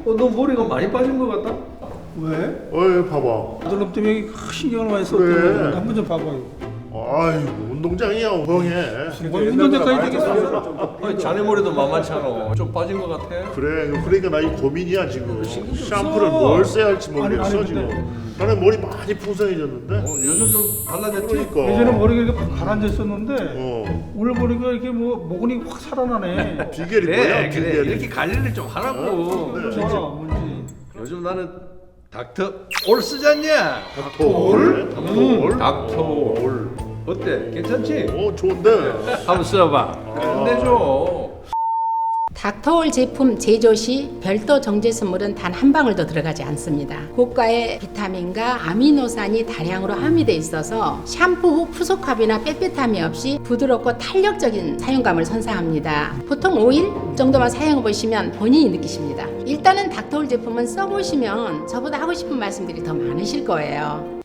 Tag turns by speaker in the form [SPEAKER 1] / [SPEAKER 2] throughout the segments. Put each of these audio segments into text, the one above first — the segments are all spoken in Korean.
[SPEAKER 1] 너 머리가 많이 빠진 것 같다?
[SPEAKER 2] 왜?
[SPEAKER 3] 봐봐.
[SPEAKER 2] 너는 때문에 신경을 많이 썼던
[SPEAKER 3] 그래.
[SPEAKER 2] 거 한번 좀 봐봐요.
[SPEAKER 3] 아이고 운동장이야 엉엉해.
[SPEAKER 2] 뭐 운동장까지 되겠어?
[SPEAKER 1] 아니, 자네 머리도 만만찮아. 좀 빠진 것 같아?
[SPEAKER 3] 그래 그러니까 나 이 고민이야 지금.
[SPEAKER 1] 신경 좀
[SPEAKER 3] 샴푸를
[SPEAKER 2] 써.
[SPEAKER 3] 뭘 써야 할지 모르겠어
[SPEAKER 2] 아니, 근데-
[SPEAKER 3] 지금. 나는 머리 많이 풍성해졌는데.
[SPEAKER 1] 요즘 좀 달라졌지?
[SPEAKER 3] 그러니까.
[SPEAKER 2] 예전에 머리가 이렇게 가라앉아 있었는데
[SPEAKER 3] 어.
[SPEAKER 2] 오늘 보니까 이렇게 뭐 모근이 확 살아나네.
[SPEAKER 3] 비결이
[SPEAKER 1] 그래
[SPEAKER 3] 뭐야?
[SPEAKER 1] 그래
[SPEAKER 3] 비결이.
[SPEAKER 1] 이렇게 관리를 좀 하라고.
[SPEAKER 3] 네.
[SPEAKER 2] 좋아, 뭔지.
[SPEAKER 1] 요즘 나는 닥터 올 쓰잖냐?
[SPEAKER 3] 닥터올? 닥터올?
[SPEAKER 1] 닥터올 어때? 괜찮지?
[SPEAKER 3] 좋은데.
[SPEAKER 1] 한번 써봐. 끝내줘.
[SPEAKER 4] 닥터올 제품 제조 시 별도 정제 선물은 단 한 방울도 들어가지 않습니다. 고가의 비타민과 아미노산이 다량으로 함유되어 있어서 샴푸 후 푸석함이나 빽빽함이 없이 부드럽고 탄력적인 사용감을 선사합니다. 보통 5일 정도만 사용해 보시면 본인이 느끼십니다. 일단은 닥터올 제품은 써보시면 저보다 하고 싶은 말씀들이 더 많으실 거예요.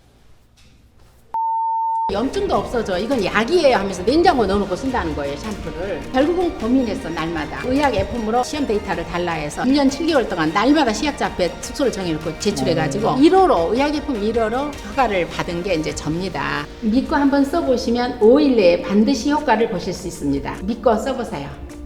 [SPEAKER 4] 염증도 없어져. 이건 약이에요 하면서 냉장고에 넣어놓고 쓴다는 거예요, 샴푸를. 결국은 고민했어, 날마다. 의학 F으로 시험 데이터를 달라해서 1년 7개월 동안 날마다 시약자 앞에 숙소를 정해놓고 제출해가지고 1호로, 의학 F 1호로 허가를 받은 게 이제 접니다. 믿고 한번 써보시면 5일 내에 반드시 효과를 보실 수 있습니다. 믿고 써보세요.